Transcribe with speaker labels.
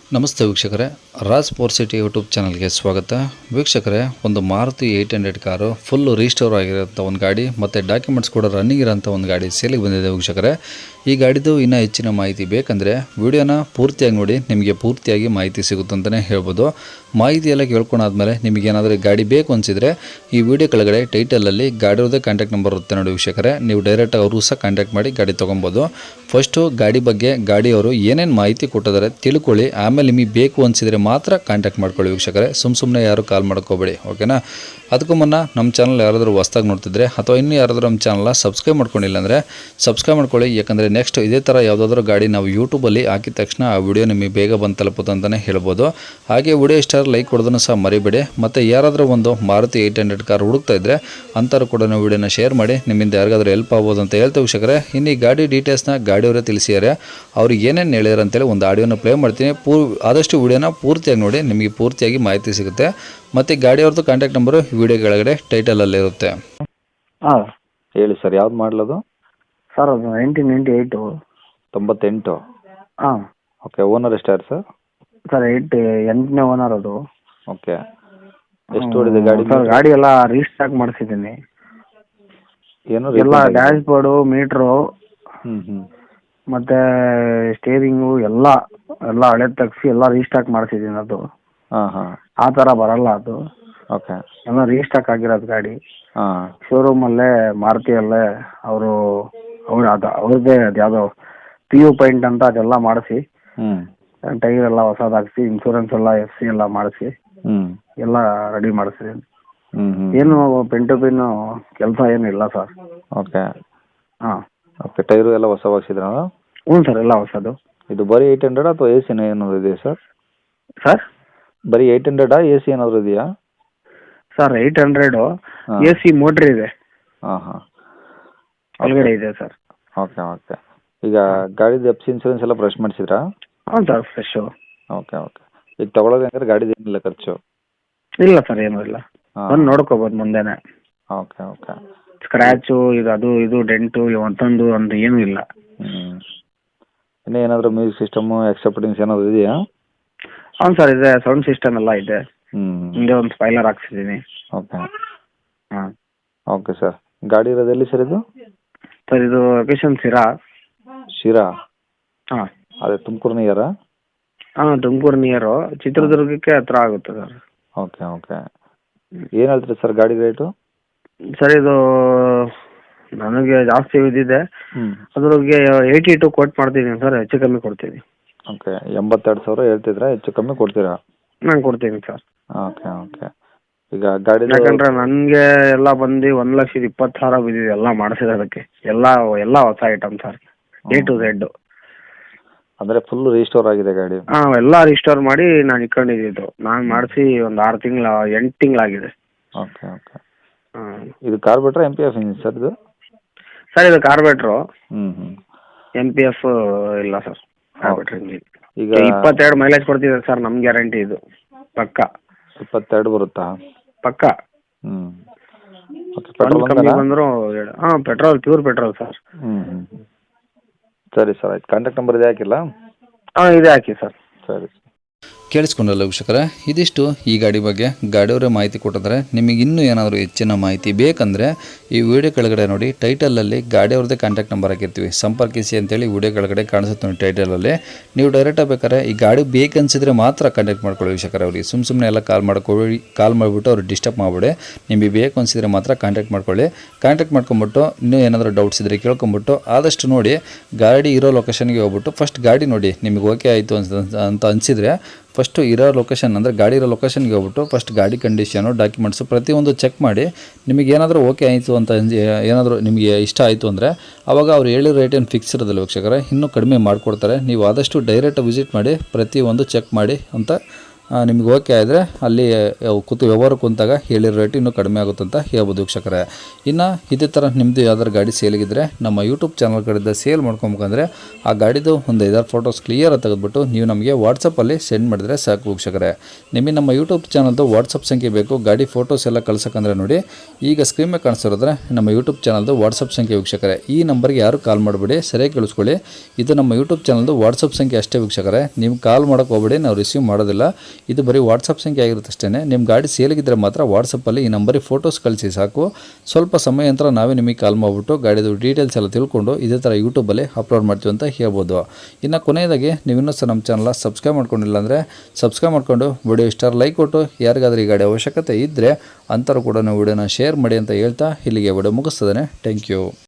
Speaker 1: ನಮಸ್ತೆ ವೀಕ್ಷಕರೇ, Raj four city YouTube ಚಾನಲ್ಗೆ ಸ್ವಾಗತ. ವೀಕ್ಷಕರೇ, ಒಂದು ಮಾರುತಿ 800 ಕಾರು ಫುಲ್ಲು ರೀಸ್ಟೋರ್ ಆಗಿರೋಂಥ ಒಂದು ಗಾಡಿ ಮತ್ತು ಡಾಕ್ಯುಮೆಂಟ್ಸ್ ಕೂಡ ರನ್ನಿಂಗ್ ಇರೋಂಥ ಒಂದು ಗಾಡಿ ಸೇಲಿಗೆ ಬಂದಿದೆ ವೀಕ್ಷಕರೇ. ಈ ಗಾಡಿದು ಇನ್ನೂ ಹೆಚ್ಚಿನ ಮಾಹಿತಿ ಬೇಕಂದರೆ ವಿಡಿಯೋನ ಪೂರ್ತಿಯಾಗಿ ನೋಡಿ, ನಿಮಗೆ ಪೂರ್ತಿಯಾಗಿ ಮಾಹಿತಿ ಸಿಗುತ್ತಂತಲೇ ಹೇಳ್ಬೋದು. ಮಾಹಿತಿ ಎಲ್ಲ ಕೇಳ್ಕೊಂಡಾದ್ಮೇಲೆ ನಿಮಗೇನಾದರೂ ಗಾಡಿ ಬೇಕು ಅನಿಸಿದರೆ ಈ ವಿಡಿಯೋ ಕೆಳಗಡೆ ಟೈಟಲಲ್ಲಿ ಗಾಡಿಯವ್ರದ್ದೇ ಕಾಂಟ್ಯಾಕ್ಟ್ ನಂಬರ್ ಇರುತ್ತೆ ನೋಡಿ ವೀಕ್ಷಕರೇ. ನೀವು ಡೈರೆಕ್ಟಾಗಿ ಅವರು ಸಹ ಕಾಂಟ್ಯಾಕ್ಟ್ ಮಾಡಿ ಗಾಡಿ ತೊಗೊಬೋದು. ಫಸ್ಟು ಗಾಡಿ ಬಗ್ಗೆ ಗಾಡಿಯವರು ಏನೇನು ಮಾಹಿತಿ ಕೊಟ್ಟಿದ್ದಾರೆ ತಿಳ್ಕೊಳ್ಳಿ, ಆಮೇಲೆ ನಿಮಗೆ ಬೇಕು ಅನಿಸಿದರೆ ಮಾತ್ರ ಕಾಂಟ್ಯಾಕ್ಟ್ ಮಾಡ್ಕೊಳ್ಳಿ ವೀಕ್ಷಕರೇ. ಸುಮ್ಮನೆ ಯಾರು ಕಾಲ್ ಮಾಡ್ಕೋಬೇಡಿ, ಓಕೆನಾ. ಅದಕ್ಕೂ ಮುನ್ನ ನಮ್ಮ ಚಾನಲ್ ಯಾರಾದರೂ ಹೊಸ್ದಾಗಿ ನೋಡ್ತಿದ್ರೆ ಅಥವಾ ಇನ್ನೂ ಯಾರಾದರೂ ನಮ್ಮ ಚಾನಲ್ನ ಸಬ್ಸ್ಕ್ರೈಬ್ ಮಾಡ್ಕೊಂಡಿಲ್ಲ ಅಂದರೆ ಸಬ್ಸ್ಕ್ರೈಬ್ ಮಾಡ್ಕೊಳ್ಳಿ. ಯಾಕಂದರೆ ನೆಕ್ಸ್ಟ್ ಇದೇ ಥರ ಯಾವುದಾದ್ರೂ ಗಾಡಿ ನಾವು ಯೂಟ್ಯೂಬಲ್ಲಿ ಹಾಕಿದ ತಕ್ಷಣ ಆ ವಿಡಿಯೋ ನಿಮಗೆ ಬೇಗ ಬಂದು ತಲುಪುತ್ತೆ ಅಂತಲೇ ಹೇಳ್ಬೋದು. ಹಾಗೆ ವಿಡಿಯೋ ಇಷ್ಟ ಲೈಕ್ ಕೊಡೋದನ್ನು ಸಹ ಮರಿಬೇಡಿ. ಮತ್ತು ಯಾರಾದರೂ ಒಂದು ಮಾರುತಿ 800 ಕಾರ್ ಹುಡುಕ್ತಾ ಇದ್ದರೆ ಅಂಥವ್ರು ಕೂಡ ನಾವು ವಿಡಿಯೋನ ಶೇರ್ ಮಾಡಿ, ನಿಮ್ಮಿಂದ ಯಾರಿಗಾದ್ರೂ ಹೆಲ್ಪ್ ಆಗ್ಬೋದು ಅಂತ ಹೇಳ್ತೇವೆ ವೀಕ್ಷಕರೇ. ಇನ್ನು ಈ ಗಾಡಿ ಡೀಟೇಲ್ಸ್ನ ಗಾಡಿಯವರೇ ತಿಳಿಸಿದ್ದಾರೆ. ಅವ್ರಿಗೆ ಏನೇನು ಹೇಳಿದ್ರು ಅಂತೇಳಿ ಒಂದು ಆಡಿಯೋನ ಪ್ಲೇ ಮಾಡ್ತೀನಿ. ಆದಷ್ಟು ವಿಡಿಯೋನ ಪೂರ್ತಿಯಾಗಿ ನೋಡಿ, ನಿಮಗೆ ಪೂರ್ತಿಯಾಗಿ ಮಾಹಿತಿ ಸಿಗುತ್ತೆ. ಮತ್ತು ಗಾಡಿಯವ್ರದ್ದು ಕಾಂಟ್ಯಾಕ್ಟ್ ನಂಬರು ವಿಡಿಯೋ ಕೆಳಗಡೆ ಟೈಟಲಲ್ಲಿರುತ್ತೆ.
Speaker 2: ಹಾಂ
Speaker 3: ಹೇಳಿ ಸರ್, ಯಾವ್ದು ಮಾಡಲದು?
Speaker 2: ಸರ್ ಅದು 1998.
Speaker 3: 98.
Speaker 2: ಹಾಂ
Speaker 3: ಓಕೆ. ಓನರ್ ಎಷ್ಟಾರು ಸರ್?
Speaker 2: ಸರ್ 8ನೇ ಓನರ್ ಅದು.
Speaker 3: ಓಕೆ. ಎಷ್ಟು ಓಡಿದೆ ಗಾಡಿ?
Speaker 2: ಸರ್ ಗಾಡಿ ಎಲ್ಲ ರೀಸ್ಟಾಕ್ ಮಾಡಿಸಿದ್ದೀನಿ.
Speaker 3: ಏನು
Speaker 2: ಎಲ್ಲ ಡ್ಯಾಶ್ ಬೋರ್ಡು, ಮೀಟ್ರು
Speaker 3: ಹ್ಞೂ
Speaker 2: ಮತ್ತು ಸ್ಟೇರಿಂಗು ಎಲ್ಲ ಹಳೆ ತೆಗ್ಸಿ ಎಲ್ಲ ರೀಸ್ಟಾಕ್ ಮಾಡಿಸಿದ್ದೀನಿ. ಅದು
Speaker 3: ಹಾಂ ಹಾಂ
Speaker 2: ಆ ಥರ ಬರಲ್ಲ ಅದು.
Speaker 3: ಓಕೆ.
Speaker 2: ಎಲ್ಲ ರೀಸ್ಟಾಕ್ ಆಗಿರೋದು ಗಾಡಿ.
Speaker 3: ಹಾಂ
Speaker 2: ಶೋರೂಮಲ್ಲೇ ಮಾರುತಿಯಲ್ಲೇ ಅವ್ರದ್ದೇ ಅದು ಯಾವುದೋ PU ಪಾಯಿಂಟ್ ಅಂತ ಅದೆಲ್ಲ ಮಾಡಿಸಿ,
Speaker 3: ಹ್ಞೂ
Speaker 2: ಟೈರ್ ಎಲ್ಲ ಹೊಸದಾಗಿಸಿ, ಇನ್ಶೂರೆನ್ಸ್ ಎಲ್ಲ FC ಎಲ್ಲ ಮಾಡಿಸಿ
Speaker 3: ಹ್ಞೂ
Speaker 2: ಎಲ್ಲ ರೆಡಿ ಮಾಡಿಸಿದ್ದೀನಿ.
Speaker 3: ಹ್ಞೂ
Speaker 2: ಏನು ಪೆನ್ ಟು ಪಿನ್ ಕೆಲಸ ಏನು ಇಲ್ಲ ಸರ್.
Speaker 3: ಓಕೆ
Speaker 2: ಹಾಂ
Speaker 3: ಓಕೆ. ಟೈರು ಎಲ್ಲ ಹೊಸ ಹಾಕ್ಸಿದ್ರ?
Speaker 2: ಹ್ಞೂ ಸರ್, ಎಲ್ಲ ಹೊಸದು.
Speaker 3: ಇದು ಬರೀ 800 ಅಥವಾ AC ಏನಾದರೂ ಇದೆಯಾ ಸರ್?
Speaker 2: ಸರ್
Speaker 3: ಬರೀ 800 AC ಏನಾದರೂ ಇದೆಯಾ
Speaker 2: ಸರ್ 800
Speaker 3: ಹಾಂ.
Speaker 2: AC ಮೋಟ್ರ್ ಇದೆ,
Speaker 3: ಹಾಂ ಹಾಂ
Speaker 2: ಒಳಗಡೆ ಇದೆ ಸರ್.
Speaker 3: Okay okay. ಈಗ ಗಾಡಿದು FC ಇನ್ಶೂರೆನ್ಸ್ ಎಲ್ಲ ಬ್ರಷ್ ಮಾಡಿಸಿದ್ರಾ?
Speaker 2: ಹಾಂ ಸರ್, ಫ್ರೆಶು.
Speaker 3: Okay okay. ಈಗ ತೊಗೊಳೋದು ಹೆಂಗಾರೆ ಗಾಡಿದು ಏನಿಲ್ಲ ಖರ್ಚು?
Speaker 2: ಇಲ್ಲ ಸರ್, ಏನೂ ಇಲ್ಲ.
Speaker 3: ಹಾಂ
Speaker 2: ಬಂದು ನೋಡ್ಕೋಬೋದು ಮುಂದೆನೆ.
Speaker 3: Okay okay.
Speaker 2: ಸ್ಕ್ರ್ಯಾಚು ಇದು ಅದು ಇದು ಡೆಂಟು ಮತ್ತೊಂದು ಒಂದು ಏನೂ ಇಲ್ಲ.
Speaker 3: ಹ್ಞೂ. ಇನ್ನೂ ಏನಾದರೂ ಮ್ಯೂಸಿಕ್ ಸಿಸ್ಟಮು ಎಕ್ಸೆಪ್ಟಿಂಗ್ಸ್ ಏನಾದರೂ ಇದೆಯಾ?
Speaker 2: ಹಾಂ ಸರ್, ಇದೆ. ಸೌಂಡ್ ಸಿಸ್ಟಮ್ ಎಲ್ಲ ಇದೆ.
Speaker 3: ಹ್ಞೂ
Speaker 2: ಹಿಂದೆ ಒಂದು ಸ್ಪೈಲರ್ ಹಾಕ್ಸಿದ್ದೀನಿ.
Speaker 3: ಓಕೆ
Speaker 2: ಹಾಂ
Speaker 3: ಓಕೆ ಸರ್. ಗಾಡಿ ಇರೋದು ಎಲ್ಲಿ ಸರ್ ಇದು?
Speaker 2: ಸರ್ ಇದು ಲೊಕೇಶನ್ ಶಿರಾ.
Speaker 3: ಶಿರಾ?
Speaker 2: ಹಾಂ
Speaker 3: ಅದೇ ತುಮಕೂರು ನಿಯರಾ?
Speaker 2: ಹಾಂ, ತುಮಕೂರು ನಿಯರು, ಚಿತ್ರದುರ್ಗಕ್ಕೆ ಹತ್ರ ಆಗುತ್ತೆ ಸರ್.
Speaker 3: Okay okay. ಏನು ಹೇಳ್ತೀರಿ ಸರ್ ಗಾಡಿ ರೇಟು?
Speaker 2: ಸರ್ ಇದು ನನಗೆ ಜಾಸ್ತಿ ಬಿದ್ದಿದೆ,
Speaker 3: ಹ್ಞೂ
Speaker 2: ಅದ್ರಿಗೆ 82 ಕೋಟ್ ಮಾಡ್ತಿದ್ದೀನಿ ಸರ್. ಹೆಚ್ಚು ಕಮ್ಮಿ ಕೊಡ್ತೀನಿ.
Speaker 3: ಓಕೆ. 82,000 ಹೇಳ್ತಿದ್ರಾ? ಹೆಚ್ಚು ಕಮ್ಮಿ ಕೊಡ್ತೀರಾ?
Speaker 2: ನಾನು ಕೊಡ್ತೀನಿ ಸರ್.
Speaker 3: Okay okay. ಈಗ ಗಾಡಿದು
Speaker 2: ಯಾಕಂದ್ರೆ ನನಗೆ ಎಲ್ಲ ಬಂದು 1,20,000 ಬಿದ್ದಿದೆ ಎಲ್ಲ ಮಾಡಿಸಿರೋದಕ್ಕೆ. ಎಲ್ಲ ಹೊಸ item sir, A to Z.
Speaker 3: ಅಂದರೆ ಫುಲ್ ರೀಸ್ಟೋರ್ ಆಗಿದೆ ಗಾಡಿ?
Speaker 2: ಹಾಂ, ಎಲ್ಲ ರಿಸ್ಟೋರ್ ಮಾಡಿ ನಾನು ಇಟ್ಕೊಂಡಿದ್ದು. ನಾನು ಮಾಡಿಸಿ ಒಂದು 8 ತಿಂಗಳಾಗಿದೆ.
Speaker 3: Okay okay.
Speaker 2: ಹಾಂ
Speaker 3: ಇದು ಕಾರ್ಬೇಟ್ರಾ MPF ಇಂಜಿನ್ ಸರ್ ಇದು?
Speaker 2: ಸರ್ ಇದು ಕಾರ್ಬೇಟ್ರು.
Speaker 3: ಹ್ಞೂ ಹ್ಞೂ.
Speaker 2: MPF ಇಲ್ಲ ಸರ್, ಕಾರ್ಬೇಟ್ರ್ ಇಂಜಿನ್.
Speaker 3: ಈಗ
Speaker 2: 22 ಮೈಲೇಜ್ ಕೊಡ್ತಿದೆ ಸರ್, ನಮ್ಮ ಗ್ಯಾರಂಟಿ ಇದು ಪಕ್ಕ.
Speaker 3: 22 ಬರುತ್ತಾ?
Speaker 2: ಪಕ್ಕ.
Speaker 3: ಹ್ಞೂ ಓಕೆ.
Speaker 2: ಒಂದು
Speaker 3: ಪೆಟ್ರೋಲ್
Speaker 2: ಕಮ್ಮಿ
Speaker 3: ಒಂದೇನಾ?
Speaker 2: ಬಂದರೂ ಹಾಂ, ಪೆಟ್ರೋಲ್, ಪ್ಯೂರ್ ಪೆಟ್ರೋಲ್ ಸರ್.
Speaker 3: ಹ್ಞೂ ಹ್ಞೂ. ಸರಿ ಸರ್, ಆಯ್ತು. ಕಾಂಟ್ಯಾಕ್ಟ್ ನಂಬರ್ ಇದೆ ಹಾಕಿಲ್ಲ?
Speaker 2: ಹಾಂ, ಇದೆ ಹಾಕಿ ಸರ್.
Speaker 3: ಸರಿ.
Speaker 1: ಕೇಳಿಸ್ಕೊಂಡಲ್ಲ ವೀಕ್ಷಕರೇ, ಇದಿಷ್ಟು ಈ ಗಾಡಿ ಬಗ್ಗೆ ಗಾಡಿಯವರೇ ಮಾಹಿತಿ ಕೊಟ್ಟಿದ್ದಾರೆ. ನಿಮಗೆ ಇನ್ನೂ ಏನಾದರೂ ಹೆಚ್ಚಿನ ಮಾಹಿತಿ ಬೇಕಂದರೆ ಈ ವಿಡಿಯೋ ಕೆಳಗಡೆ ನೋಡಿ, ಟೈಟಲಲ್ಲಿ ಗಾಡಿಯವ್ರದ್ದೇ ಕಾಂಟ್ಯಾಕ್ಟ್ ನಂಬರ್ ಹಾಕಿರ್ತೀವಿ, ಸಂಪರ್ಕಿಸಿ ಅಂತೇಳಿ ವಿಡಿಯೋ ಕೆಳಗಡೆ ಕಾಣಿಸುತ್ತೆ ನೋಡಿ ಟೈಟಲಲ್ಲಿ. ನೀವು ಡೈರೆಕ್ಟಾಗಿ ಬೇಕಾದ್ರೆ ಈ ಗಾಡಿ ಬೇಕನ್ಸಿದ್ರೆ ಮಾತ್ರ ಕಾಂಟ್ಯಾಕ್ಟ್ ಮಾಡ್ಕೊಳ್ಳಿ ವೀಕ್ಷಕರೇ. ಅವ್ರಿಗೆ ಸುಮ್ಮನೆ ಎಲ್ಲ ಕಾಲ್ ಮಾಡಿಬಿಟ್ಟು ಅವ್ರಿಗೆ ಡಿಸ್ಟರ್ಬ್ ಮಾಡಿಬಿಡಿ. ನಿಮಗೆ ಬೇಕು ಅನಿಸಿದ್ರೆ ಮಾತ್ರ ಕಾಂಟ್ಯಾಕ್ಟ್ ಮಾಡ್ಕೊಳ್ಳಿ. ಕಾಂಟ್ಯಾಕ್ಟ್ ಮಾಡ್ಕೊಂಬಿಟ್ಟು ಇನ್ನೂ ಏನಾದರೂ ಡೌಟ್ಸ್ ಇದ್ದರೆ ಕೇಳ್ಕೊಂಬಿಟ್ಟು ಆದಷ್ಟು ನೋಡಿ ಗಾಡಿ ಇರೋ ಲೊಕೇಶನ್ಗೆ ಹೋಗ್ಬಿಟ್ಟು ಫಸ್ಟ್ ಗಾಡಿ ನೋಡಿ, ನಿಮಗೆ ಓಕೆ ಆಯಿತು ಅಂತ ಅನಿಸಿದರೆ ಫಸ್ಟು ಇರೋ ಲೊಕೇಶನ್ ಅಂದರೆ ಗಾಡಿ ಇರೋ ಲೊಕೇಶನ್ಗೆ ಹೋಗ್ಬಿಟ್ಟು ಫಸ್ಟ್ ಗಾಡಿ ಕಂಡೀಷನು, ಡಾಕ್ಯುಮೆಂಟ್ಸು ಪ್ರತಿಯೊಂದು ಚೆಕ್ ಮಾಡಿ. ನಿಮಗೆ ಏನಾದರೂ ಓಕೆ ಆಯಿತು ಅಂತ ಏನಾದರೂ ನಿಮಗೆ ಇಷ್ಟ ಆಯಿತು ಅಂದರೆ ಆವಾಗ ಅವ್ರು ಹೇಳಿರೋ ರೇಟ್ ಏನು ಫಿಕ್ಸ್ ಇರೋದಿಲ್ಲ ವೀಕ್ಷಕರೇ, ಇನ್ನೂ ಕಡಿಮೆ ಮಾಡಿಕೊಡ್ತಾರೆ. ನೀವು ಆದಷ್ಟು ಡೈರೆಕ್ಟ್ ವಿಸಿಟ್ ಮಾಡಿ ಪ್ರತಿಯೊಂದು ಚೆಕ್ ಮಾಡಿ ಅಂತ ನಿಮಗೆ ಓಕೆ ಆದರೆ ಅಲ್ಲಿ ವ್ಯವಹಾರ ಕುಂತಾಗ ಹೇಳಿರೋ ರೇಟ್ ಇನ್ನೂ ಕಡಿಮೆ ಆಗುತ್ತೆ ಅಂತ ಹೇಳ್ಬೋದು ವೀಕ್ಷಕರೇ. ಇನ್ನು ಇದೇ ಥರ ನಿಮ್ಮದು ಯಾವ್ದಾರು ಗಾಡಿ ಸೇಲಿಗಿದ್ರೆ ನಮ್ಮ ಯೂಟ್ಯೂಬ್ ಚಾನಲ್ ಕಡೆಯಿಂದ ಸೇಲ್ ಮಾಡ್ಕೊಬೇಕಂದ್ರೆ ಆ ಗಾಡಿದು ಒಂದು 5-6 ಫೋಟೋಸ್ ಕ್ಲಿಯರಾಗಿ ತೆಗೆದುಬಿಟ್ಟು ನೀವು ನಮಗೆ ವಾಟ್ಸಪ್ಪಲ್ಲಿ ಸೆಂಡ್ ಮಾಡಿದರೆ ಸಾಕು ವೀಕ್ಷಕರೇ. ನಿಮಗೆ ನಮ್ಮ ಯೂಟ್ಯೂಬ್ ಚಾನಲ್ದು ವಾಟ್ಸಪ್ ಸಂಖ್ಯೆ ಬೇಕು ಗಾಡಿ ಫೋಟೋಸ್ ಎಲ್ಲ ಕಳ್ಸೋಕ್ಕಂದ್ರೆ ನೋಡಿ, ಈಗ ಸ್ಕ್ರೀನ್ ಮೇಲೆ ಕಾಣಿಸ್ತಿರೋದ್ರೆ ನಮ್ಮ ಯೂಟ್ಯೂಬ್ ಚಾನಲ್ದು ವಾಟ್ಸಪ್ ಸಂಖ್ಯೆ ವೀಕ್ಷಕರೇ. ಈ ನಂಬರ್ಗೆ ಯಾರು ಕಾಲ್ ಮಾಡಬೇಡಿ, ಸರಿಯಾಗಿ ಕೇಳಿಸ್ಕೊಳ್ಳಿ. ಇದು ನಮ್ಮ ಯೂಟ್ಯೂಬ್ ಚಾನಲ್ದು ವಾಟ್ಸಪ್ ಸಂಖ್ಯೆ ಅಷ್ಟೇ ವೀಕ್ಷಕರೇ. ನೀವು ಕಾಲ್ ಮಾಡೋಕ್ಕೆ ಹೋಗಬೇಡಿ, ನಾವು ರಿಸೀವ್ ಮಾಡೋದಿಲ್ಲ. ಇದು ಬರೀ ವಾಟ್ಸಪ್ ಸಂಖ್ಯೆ ಆಗಿರುತ್ತೆ ಅಷ್ಟೇ. ನಿಮ್ಮ ಗಾಡಿ ಸೇಲಿಗಿದ್ರೆ ಮಾತ್ರ ವಾಟ್ಸಪ್ಪಲ್ಲಿ ಈ ನಂಬರಿಗೆ ಫೋಟೋಸ್ ಕಳಿಸಿ ಸಾಕು. ಸ್ವಲ್ಪ ಸಮಯ ನಂತರ ನಾವೇ ನಿಮಗೆ ಕಾಲ್ ಮಾಡಿಬಿಟ್ಟು ಗಾಡಿದು ಡೀಟೇಲ್ಸ್ ಎಲ್ಲ ತಿಳ್ಕೊಂಡು ಇದೇ ಥರ ಯೂಟ್ಯೂಬಲ್ಲಿ ಅಪ್ಲೋಡ್ ಮಾಡ್ತೀವಿ ಅಂತ ಹೇಳ್ಬೋದು. ಇನ್ನು ಕೊನೆಯದಾಗಿ ನೀವು ಇನ್ನೂ ಸಹ ನಮ್ಮ ಚಾನಲ್ನ ಸಬ್ಸ್ಕ್ರೈಬ್ ಮಾಡ್ಕೊಂಡಿಲ್ಲ ಅಂದರೆ ಸಬ್ಸ್ಕ್ರೈಬ್ ಮಾಡ್ಕೊಂಡು ವಿಡಿಯೋ ಇಷ್ಟ ಲೈಕ್ ಕೊಟ್ಟು ಯಾರಿಗಾದ್ರೂ ಈ ಗಾಡಿ ಅವಶ್ಯಕತೆ ಇದ್ದರೆ ಅಂಥವ್ರು ಕೂಡ ನಾವು ವಿಡಿಯೋನ ಶೇರ್ ಮಾಡಿ ಅಂತ ಹೇಳ್ತಾ ಇಲ್ಲಿಗೆ ವಿಡಿಯೋ ಮುಗಿಸ್ತದೆ. Thank you.